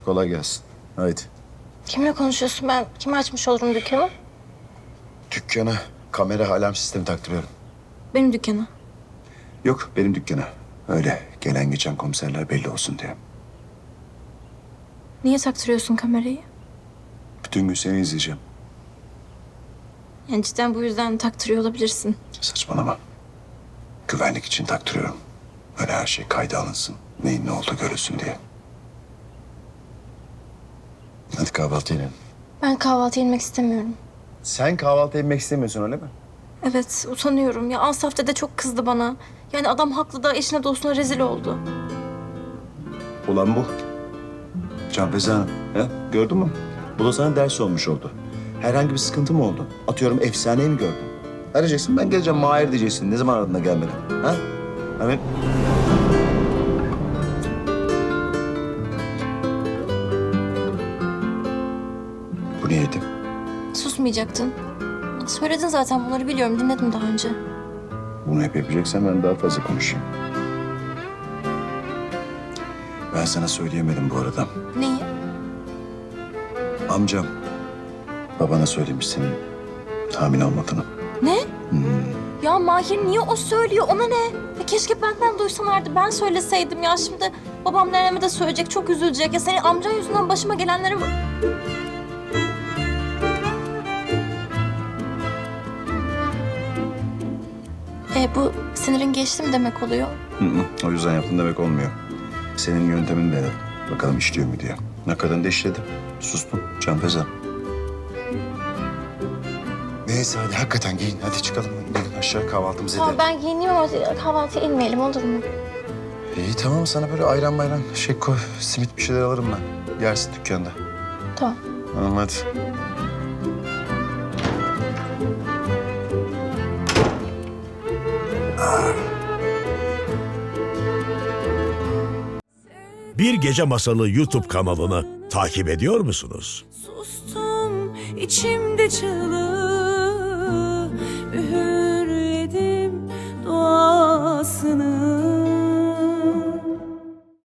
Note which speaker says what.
Speaker 1: Kolay gelsin. Haydi.
Speaker 2: Kimle konuşuyorsun? Ben kime açmış olurum dükkanı?
Speaker 1: Dükkana kamera alarm sistemi taktırıyorum.
Speaker 2: Benim dükkanı.
Speaker 1: Yok, benim dükkana. Öyle gelen geçen komiserler belli olsun diye.
Speaker 2: Niye taktırıyorsun kamerayı?
Speaker 1: Bütün gün seni izleyeceğim.
Speaker 2: Yani cidden bu yüzden taktırıyor olabilirsin.
Speaker 1: Saçmalama. Güvenlik için taktırıyorum. Öyle her şey kayda alınsın. Neyin ne olduğu görülsün diye. Hadi kahvaltı yiyelim.
Speaker 2: Ben kahvaltı yemek istemiyorum.
Speaker 1: Sen kahvaltı yemek istemiyorsun öyle mi?
Speaker 2: Evet, utanıyorum. Ya Asaf dede çok kızdı bana. Yani adam haklı da eşine dostuna rezil oldu.
Speaker 1: Ulan bu. Can Feza Hanım. He? Gördün mü? Bu da sana ders olmuş oldu. Herhangi bir sıkıntı mı oldu? Atıyorum efsaneyi mi gördün? Arayacaksın, ben geleceğim Mahir diyeceksin. Ne zaman aradığına gelmeden. Ha? Hani... Bu niyeti.
Speaker 2: Susmayacaktın. Söyledin zaten, bunları biliyorum. Dinledim daha önce.
Speaker 1: Bunu hep yapacaksan ben daha fazla konuşayım. Ben sana söyleyemedim bu arada.
Speaker 2: Neyi?
Speaker 1: Amcam babana söylemiş senin hamile olmadığını.
Speaker 2: Ne? Ya Mahir niye o söylüyor? Ona ne? Ya keşke benden duysalardı. Ben söyleseydim ya. Şimdi babam neneme de söyleyecek. Çok üzülecek. Ya senin amcan yüzünden başıma gelenlere... Bu sinirin geçti mi demek oluyor?
Speaker 1: O yüzden yaptın demek olmuyor. Senin yöntemin de bakalım işliyor mu diye. Ne kadar da işledi. Sustum. Can Feza. Neyse hadi hakikaten giyin. Hadi çıkalım. Gidelim aşağı kahvaltımızı
Speaker 2: Tamam,
Speaker 1: edelim.
Speaker 2: ben giyineyim ama kahvaltıya inmeyelim, olur mu?
Speaker 1: İyi tamam, sana böyle ayran mayran şey koy. Simit bir şeyler alırım ben. Yersin dükkanda.
Speaker 2: Tamam.
Speaker 1: Tamam hadi.
Speaker 3: Bir Gece Masalı YouTube kanalını takip ediyor musunuz?
Speaker 4: Sustum içimde çığlık.